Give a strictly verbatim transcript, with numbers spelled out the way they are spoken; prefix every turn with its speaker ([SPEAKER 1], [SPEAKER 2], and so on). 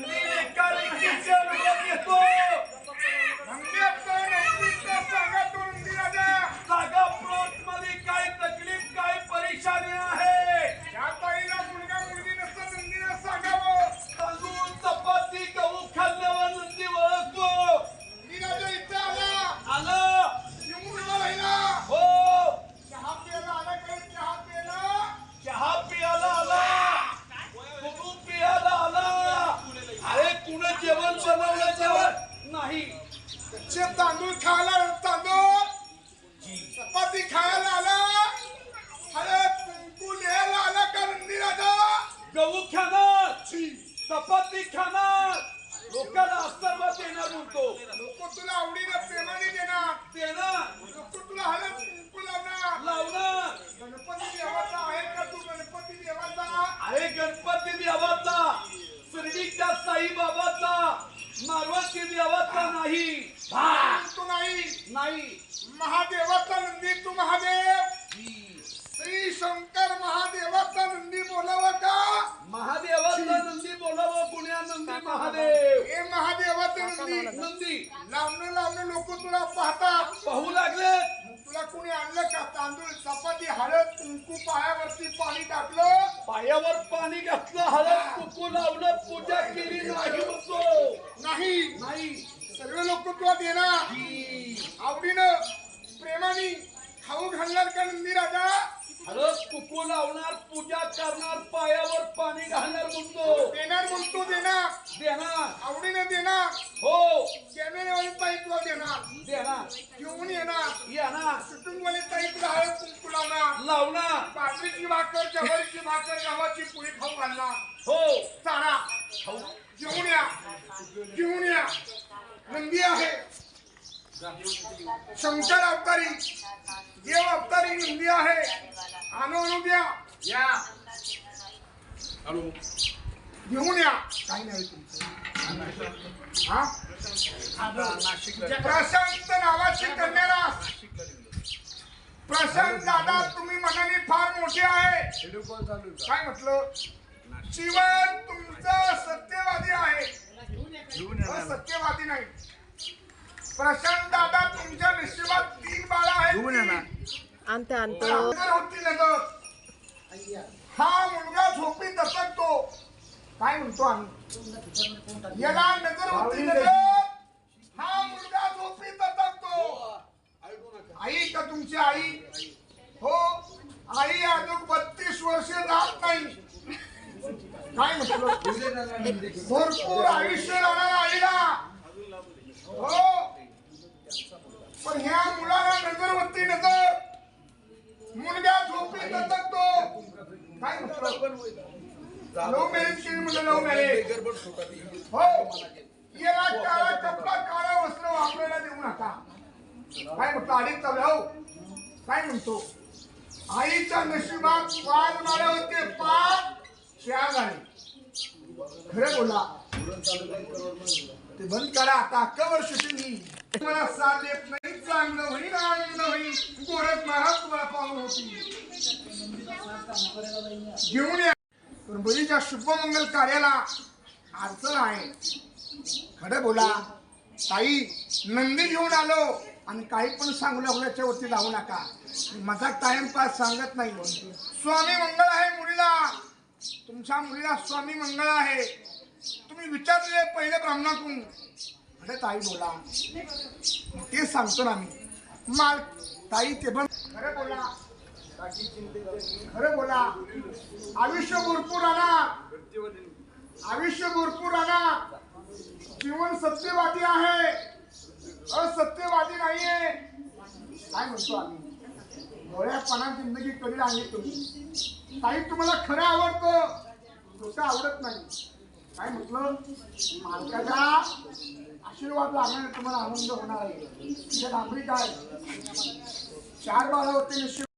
[SPEAKER 1] नंदी एका व्यक्तीचे अनुभव घेतो. जागा प्लॉट मध्ये काय तकलीफ काय परेशानी आहे
[SPEAKER 2] या ताईला मुलगा मुलगी नसतं नंदीला सांगावं.
[SPEAKER 1] तांदूळ चपाती गहू खाल्ल्यावर नंदी ओळखतो.
[SPEAKER 2] नंदीराजा इथं आला
[SPEAKER 1] आला
[SPEAKER 2] येऊन उभा राहिला.
[SPEAKER 1] हो
[SPEAKER 2] चहा प्यायला आला काय चहा प्यायला
[SPEAKER 1] चहा पियाला आला कुणू पियाला आला. अरे कुण जेवण बनवलं जेवण नाही.
[SPEAKER 2] कच्चे तांदूळ खायला तांदूळ चपाती खायला आला. हळद कुंकू लिहायला आला का नंदीराजा.
[SPEAKER 1] गहू खाणार चपाती खाणार लोकांना आशीर्वाद देणार म्हणतो.
[SPEAKER 2] लोक तुला आवडीनं प्रेमाने देणार.
[SPEAKER 1] देणार
[SPEAKER 2] लोक तुला हळद कुंकू लावणार.
[SPEAKER 1] लावणार.
[SPEAKER 2] गणपती देवाचा आहे का तू गणपती देवाचा.
[SPEAKER 1] अरे गणपती देवाचा शिर्डीच्या साईबाबाचा मारवाती देवाचा नाही.
[SPEAKER 2] तू नाही
[SPEAKER 1] नाही
[SPEAKER 2] महादेवाचा नंदी तू महादेव. श्री शंकर महादेवाचा नंदी बोलावा का.
[SPEAKER 1] महादेवाचा नंदी बोलावं पुण्या नंदी महादेव.
[SPEAKER 2] हे महादेवाचे नंदी
[SPEAKER 1] नंदी
[SPEAKER 2] लावणं लावणं लोक तुला पाहतात.
[SPEAKER 1] पाहू लागले.
[SPEAKER 2] तुला कुणी आणलं का तांदूळ चपाती हळद कुंकू पायावरती पाणी टाकलं.
[SPEAKER 1] पायावर पाणी घातलं हळद कुकू लावलं पूजा केली नाही म्हणतो.
[SPEAKER 2] नाही
[SPEAKER 1] नाही
[SPEAKER 2] सर्व लोक तुला देणार. आवडीनं प्रेमाने खाऊ घालणार का नंदी राजा.
[SPEAKER 1] हळद कुकू लावणार पूजा करणार पायावर पाणी घालणार म्हणतो.
[SPEAKER 2] देणार म्हणतो देणार.
[SPEAKER 1] देणार
[SPEAKER 2] आवडीनं देणार.
[SPEAKER 1] हो
[SPEAKER 2] कॅमेरेवाली ताई तुला देणार.
[SPEAKER 1] देणार
[SPEAKER 2] घेऊन येणार.
[SPEAKER 1] येणार
[SPEAKER 2] कुटुंबवाली ताई तुला हळद कुंकू लावणार.
[SPEAKER 1] लावणार.
[SPEAKER 2] बाजरीची भाकर ज्वारीची भाकर गव्हाची पोळी खाऊ घालणार.
[SPEAKER 1] हो
[SPEAKER 2] चारा
[SPEAKER 1] खाऊ
[SPEAKER 2] घेऊन या घेऊन या. नंदी आहे शंकर अवतारी देव अवतारी नंदी आहे. आणू आणू द्या या घेऊन या. काही नाही तुमचं हा प्रशांत नावाची कन्या. प्रशांत दादा तुम्ही मनाने फार मोठे आहे. काय म्हटलं जीवन तुमचं सत्यवादी आहे सत्यवादी नाही. प्रशांत दादा तुमच्या नशिबात तीन बाळा आहेत.
[SPEAKER 3] आणते आणतो
[SPEAKER 2] होती नजर. हा मुलगा झोपी दचकतो. काय म्हणतो आम्ही याला नजर होती नजर. हा मुलगा झोपी दचकतो. आई का तुमची आई. हो आई अजून बत्तीस वर्ष जात नाही. काय म्हटलं भरपूर आयुष्य राहणार आईला. हो पण ह्या मुलाला नजरवरती नजर. मुलगा झोपी दचकतो. काय म्हटलं लव्ह मॅरेज केली म्हणजे लव्ह मॅरेज. हो याला काळा कपडा काळा वस्त्र वापरायला देऊ नका. काय म्हटलं अडीच चालू हो. काय म्हणतो आईच्या नशिबात पाच माळ्या होते पाच चार झाले. खरं बोला ते बंद करा आता. कवर शूटिंग मला साथ देत नाही. चांगलं होईल आनंद होईल. गोरख महाराज तुम्हाला पाहून होती. घेऊन या. पण बरीच्या शुभमंगल कार्याला अडचण आहे. खरं बोला ताई नंदी घेऊन आलो आणि काही पण सांगू लागलो याच्यावरती जाऊ नका. माझा टाइमपास सांगत नाही. स्वामी मंगळ आहे मुलीला. तुमच्या मुलीला स्वामी मंगळ आहे. तुम्ही विचारले पहिले ब्राह्मणातून. अरे ताई बोला ते सांगतो ना मी. माल ताई ते पण खरं बोला खरं बोला. आयुष्य भरपूर राहणार. आयुष्य भरपूर राहणार. जीवन सत्यवादी आहे असत्यवादी नाहीये. काय म्हणतो आम्ही डोळ्यापणा जिंदगी कधी आणली तुम्ही. ताई तुम्हाला खरं आवडतं खोटं आवडत नाही. काय म्हटलं मालकाचा आशीर्वाद लागणार तुम्हाला आनंद होणार आहे. डांबरी काय चार बाळा होते.